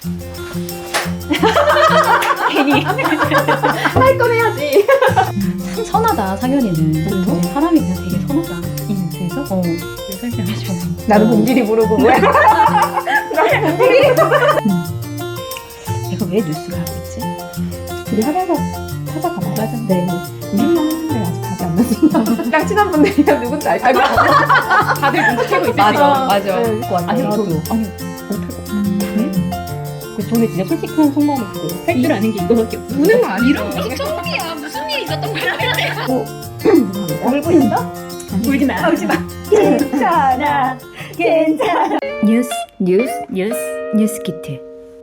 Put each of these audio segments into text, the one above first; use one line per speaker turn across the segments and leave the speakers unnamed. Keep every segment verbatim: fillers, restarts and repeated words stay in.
괜히
할 건 해야지.
참 선하다 상현이는.
그래서?
사람이 그냥 되게 선하다.
이 뉴스에서?
어. 설명해줘.
나도 봉길이 모르고 뭐야? 나도 봉길이.
내가 왜 뉴스를 하고 있지?
우리 하면서 찾아가봐요.
맞아.
네. 이름만 했는데 아직 답이 안 났습니다. 가장 친한 분들이면 누군지 알 거야.
다들 눈치채고 있을
맞아,
맞아.
네.
아니
나도.
저도 아니 못할 거. 그 저는 진짜 솔직한 속마음을 그거 할 줄 아는 게 이거밖에 없어.
우는 거 아니야?
이런 무슨 처음이야. 무슨 일이 있었던 거야?
울고 있어?
울지 마. 울지 마.
괜찮아. 괜찮아.
뉴스 뉴스 뉴스 뉴스 키트.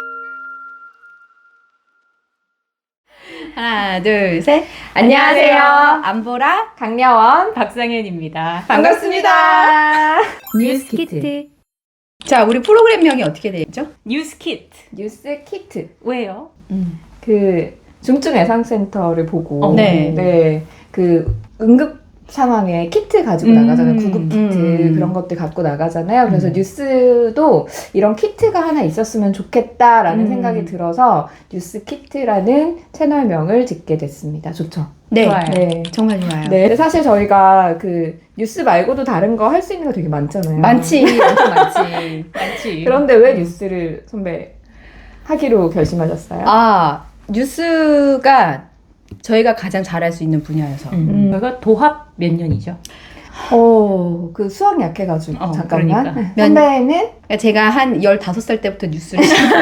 하나 둘 셋.
안녕하세요.
안보라
강려원.
박상현입니다.
반갑습니다.
뉴스 키트. 자, 우리 프로그램명이 어떻게 되죠? 뉴스 키트.
뉴스 키트.
왜요?
음. 그 중증 애상센터를 보고
어, 네.
네. 그 응급 상황에 키트 가지고
음,
나가잖아요. 구급 키트
음.
그런 것들 갖고 나가잖아요. 그래서
음.
뉴스도 이런 키트가 하나 있었으면 좋겠다라는
음.
생각이 들어서 뉴스 키트라는 채널명을 짓게 됐습니다. 좋죠?
네.
좋아요.
네.
정말 좋아요.
네. 근데 사실 저희가 그 뉴스 말고도 다른 거 할 수 있는 거 되게 많잖아요.
많지. 엄청 많지.
많지.
그런데 왜 뉴스를 선배 하기로 결심하셨어요?
아, 뉴스가 저희가 가장 잘할 수 있는 분야여서.
음.
저희가 도합 몇 년이죠?
어, 그 수학 약해가지고
어,
잠깐만.
그러니까.
선배는
그러니까 제가 한 열다섯 살 때부터 뉴스를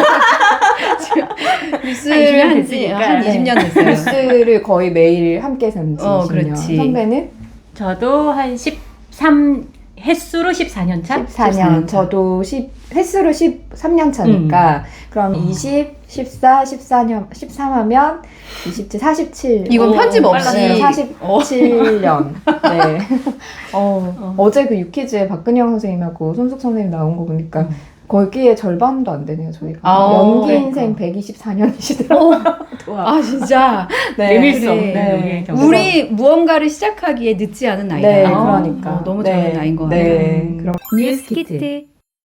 뉴스를
이십 년
한지
됐으니까.
한
네.
이십 년 됐어요.
뉴스를 거의 매일 함께 산지
어,
이십 년.
그렇지.
선배는
저도 한 십삼 횟수로 십사 년 차?
십사 년,
십사 년 차.
저도 십 횟수로 십삼 년 차니까 그럼
어.
이십, 십사, 십사 년, 십삼 하면 이십칠, 사십칠.
이건
오,
편집 없이
네,
어.
사십칠 년. 네. 어,
어.
어제 그 유퀴즈에 박근영 선생님하고 손숙 선생님 나온 거 보니까
음.
거기에 절반도 안 되네요, 저희가.
아,
연기
그러니까.
인생 백이십사 년이시더라고요.
아 진짜
네.
내밀 수
그래.
없는
네.
우리의 경험.
우리 무언가를 시작하기에 늦지 않은 나이다.
네,
아,
그러니까.
어, 너무
네,
좋은 나이인 것
네,
같아요.
네, 그럼
뉴스 키트.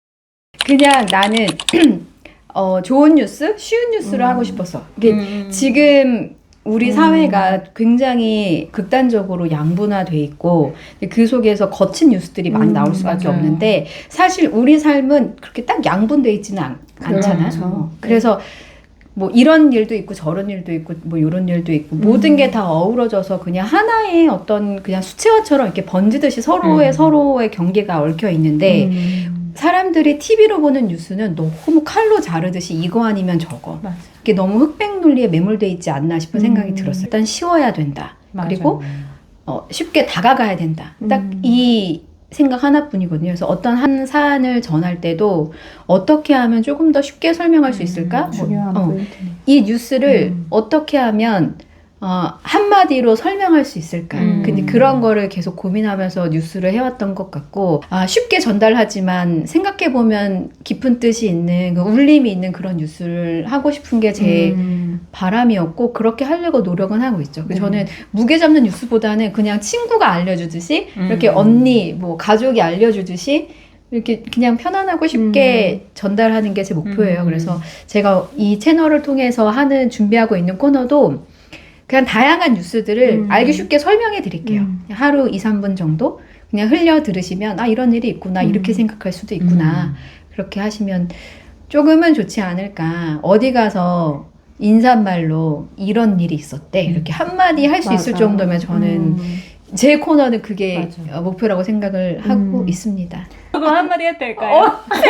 그냥 나는 어, 좋은 뉴스, 쉬운 뉴스를
음.
하고 싶었어. 이게
음.
지금 우리
음.
사회가 굉장히 극단적으로 양분화돼 있고 그 속에서 거친 뉴스들이 많이
음,
나올 수밖에
맞아요.
없는데 사실 우리 삶은 그렇게 딱 양분돼 있지는 않, 않잖아.
그렇죠.
어. 그래서 뭐 이런 일도 있고 저런 일도 있고 뭐 이런 일도 있고
음.
모든 게 다 어우러져서 그냥 하나의 어떤 그냥 수채화처럼 이렇게 번지듯이 서로의
음.
서로의 경계가 얽혀 있는데
음.
사람들이 티비로 보는 뉴스는 너무 칼로 자르듯이 이거 아니면 저거.
맞아.
이게 너무 흑백 논리에 매몰돼 있지 않나 싶은
음.
생각이 들었어요. 일단 쉬워야 된다.
맞아요.
그리고 어, 쉽게 다가가야 된다. 딱
음.
이 생각 하나뿐이거든요. 그래서 어떤 한 사안을 전할 때도 어떻게 하면 조금 더 쉽게 설명할 수 있을까? 뭐,
중요한
어,
포인트네.
이 뉴스를
음.
어떻게 하면 어, 한마디로 설명할 수 있을까?
음.
근데 그런 거를 계속 고민하면서 뉴스를 해왔던 것 같고, 아, 쉽게 전달하지만 생각해보면 깊은 뜻이 있는, 그 울림이 있는 그런 뉴스를 하고 싶은 게 제
음.
바람이었고, 그렇게 하려고 노력은 하고 있죠.
네.
저는 무게 잡는 뉴스보다는 그냥 친구가 알려주듯이,
음.
이렇게 언니, 뭐, 가족이 알려주듯이, 이렇게 그냥 편안하고 쉽게 전달하는 게 제 목표예요.
음.
그래서 제가 이 채널을 통해서 하는, 준비하고 있는 코너도 그냥 다양한 뉴스들을
음.
알기 쉽게 설명해 드릴게요.
음.
그냥 하루 이, 삼 분 정도 그냥 흘려 들으시면 아 이런 일이 있구나
음.
이렇게 생각할 수도 있구나 그렇게 하시면 조금은 좋지 않을까. 어디 가서 인사말로 이런 일이 있었대 이렇게 한마디 할 수 있을
맞아.
정도면 저는
음.
제 코너는 그게
맞아.
어, 목표라고 생각을 하고
음.
있습니다.
그거 한마디 해도 될까요?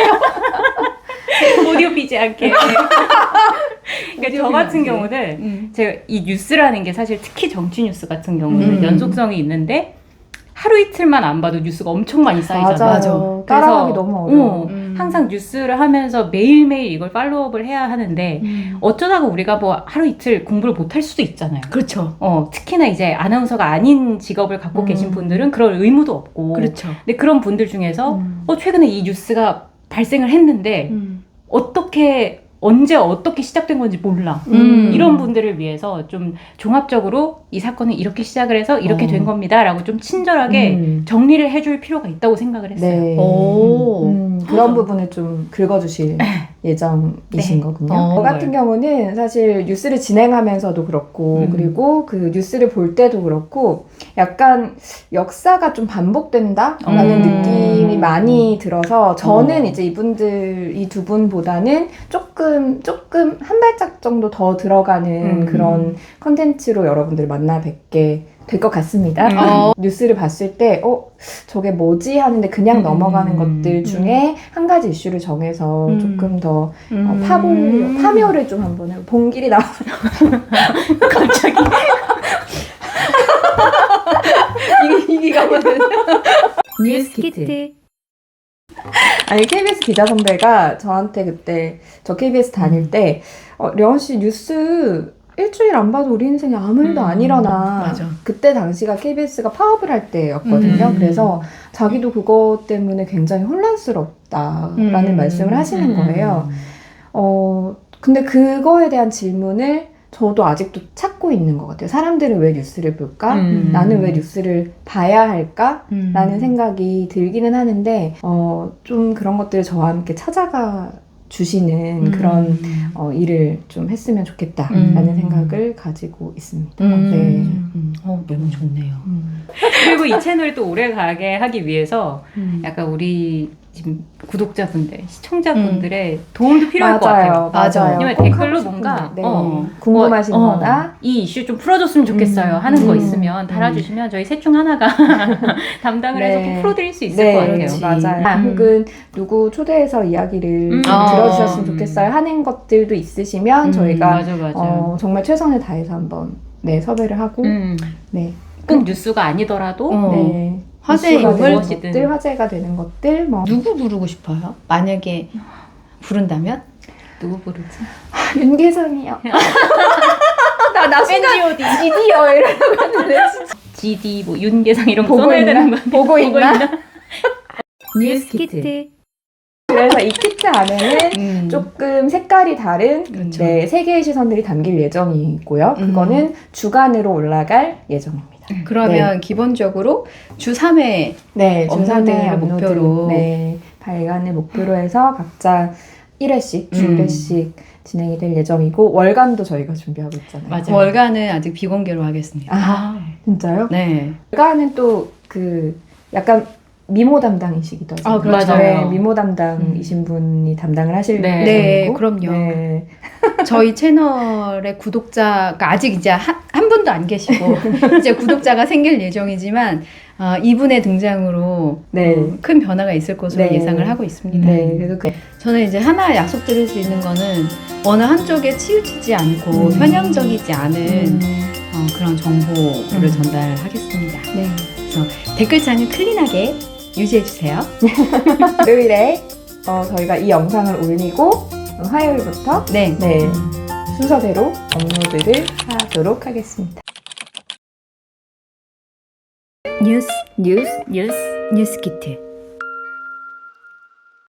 오디오 비지 않게. 그러니까 저 같은
비지 않게.
경우는
음.
제가 이 뉴스라는 게 사실 특히 정치 뉴스 같은 경우는
음.
연속성이 있는데 하루 이틀만 안 봐도 뉴스가 엄청 많이 쌓이잖아요.
맞아요.
맞아.
따라가기
그래서,
너무 어려워.
어,
음.
항상 뉴스를 하면서 매일매일 이걸 팔로우업을 해야 하는데
음.
어쩌다가 우리가 뭐 하루 이틀 공부를 못 할 수도 있잖아요.
그렇죠.
어, 특히나 이제 아나운서가 아닌 직업을 갖고
음.
계신 분들은 그럴 의무도 없고.
그렇죠.
근데 그런 분들 중에서
음.
어, 최근에 이 뉴스가 발생을 했는데
음.
어떻게 언제 어떻게 시작된 건지 몰라.
음.
이런 분들을 위해서 좀 종합적으로 이 사건은 이렇게 시작을 해서 이렇게
어.
된 겁니다. 라고 좀 친절하게
음.
정리를 해줄 필요가 있다고 생각을 했어요.
네.
오.
음, 그런 부분을 좀 긁어주실. 예정이신
네.
거군요.
어,
저 같은 경우는 사실 뉴스를 진행하면서도 그렇고
음.
그리고 그 뉴스를 볼 때도 그렇고 약간 역사가 좀 반복된다라는
음.
느낌이 많이 들어서 저는
어.
이제 이분들 이 두 분보다는 조금 조금 한 발짝 정도 더 들어가는
음.
그런 컨텐츠로 여러분들 만나 뵙게 될 것 같습니다.
음.
어.
뉴스를 봤을 때, 어, 저게 뭐지? 하는데 그냥
음.
넘어가는 것들 중에 한 가지 이슈를 정해서
음.
조금 더
음.
어, 파보려, 파묘를 좀 한번 해요. 봉길이 나와.
갑자기
이게, 이게 가거든.
뉴스키트.
아니, 케이비에스 기자 선배가 저한테 그때, 저 케이비에스 다닐 때, 어, 려원 씨 뉴스 일주일 안 봐도 우리 인생에 아무 일도
음,
안 일어나.
맞아.
그때 당시가 케이비에스가 파업을 할 때였거든요.
음.
그래서 자기도 그것 때문에 굉장히 혼란스럽다라는
음.
말씀을 하시는 거예요. 어, 근데 그거에 대한 질문을 저도 아직도 찾고 있는 것 같아요. 사람들은 왜 뉴스를 볼까?
음.
나는 왜 뉴스를 봐야 할까?
음.
라는 생각이 들기는 하는데, 어, 좀 그런 것들을 저와 함께 찾아가 주시는
음.
그런 어, 일을 좀 했으면 좋겠다라는
음.
생각을 가지고 있습니다.
음.
네.
음. 어, 너무 좋네요.
음.
그리고 이 채널을 또 오래 가게 하기 위해서
음.
약간 우리 지금 구독자분들, 시청자분들의 도움도 필요할 것
맞아요,
같아요.
맞아요.
왜냐면
꼭
댓글로
하고
뭔가
싶은데, 네.
어,
궁금하신
뭐, 어,
거나
이 이슈 좀 풀어줬으면 좋겠어요
음,
하는 거
음,
있으면
음.
달아주시면 저희 셋 중 하나가 담당을
네.
해서 꼭 풀어드릴 수 있을
네,
것 같아요.
그렇지.
맞아요. 아,
음.
혹은 누구 초대해서 이야기를
음.
좀
아.
들어주셨으면 좋겠어요 하는 것들도 있으시면
음,
저희가
맞아 맞아.
어, 정말 최선을 다해서 한번 네, 섭외를 하고
음,
네.
꼭 뉴스가 아니더라도
어.
네.
화제의
이슈가 되는
욕을
무엇이든.
것들, 화제가 되는 것들 뭐
누구 부르고 싶어요? 만약에 부른다면?
누구 부르지?
윤계상이요. 나, 나 순간
엔지오디,
지디어 이러려고 했는데
지디, 뭐 윤계상 이런 거
보고
써놔야
있나?
되는 거
보고 있나?
뉴스키트.
그래서 이 키트 안에는
음.
조금 색깔이 다른
그렇죠.
네, 세 개의 시선들이 담길 예정이고요.
음.
그거는 주간으로 올라갈 예정입니다.
그러면 기본적으로 주 삼 회
네,
업로드를
주삼회 업로드,
목표로.
네, 발간을 목표로 해서 각자 일 회씩, 주
음.
일 회씩 진행이 될 예정이고 월간도 저희가 준비하고 있잖아요.
맞아요.
월간은 아직 비공개로 하겠습니다.
아, 진짜요?
네.
월간은 또 그 약간 미모 담당이시기도 하죠.
아, 그렇죠.
네, 미모 담당이신
음.
분이 담당을 하실
네.
네,
예정이고.
그럼요.
네.
저희 채널의 구독자가 아직 이제 한, 한 분도 안 계시고 이제 구독자가 생길 예정이지만 어, 이분의 등장으로
네.
어, 큰 변화가 있을 것으로
네.
예상을 하고 있습니다.
네, 그래서 그,
저는 이제 하나 약속드릴 수 있는 거는 어느 한쪽에 치우치지 않고
음.
편향적이지 않은
음,
어, 그런 정보를
음.
전달하겠습니다.
네.
그래서 댓글창을 클린하게 유지해주세요.
월요일에 어, 저희가 이 영상을 올리고 어, 화요일부터
네.
네, 순서대로 업로드를 하도록 하겠습니다.
뉴스
뉴스
뉴스
뉴스키트.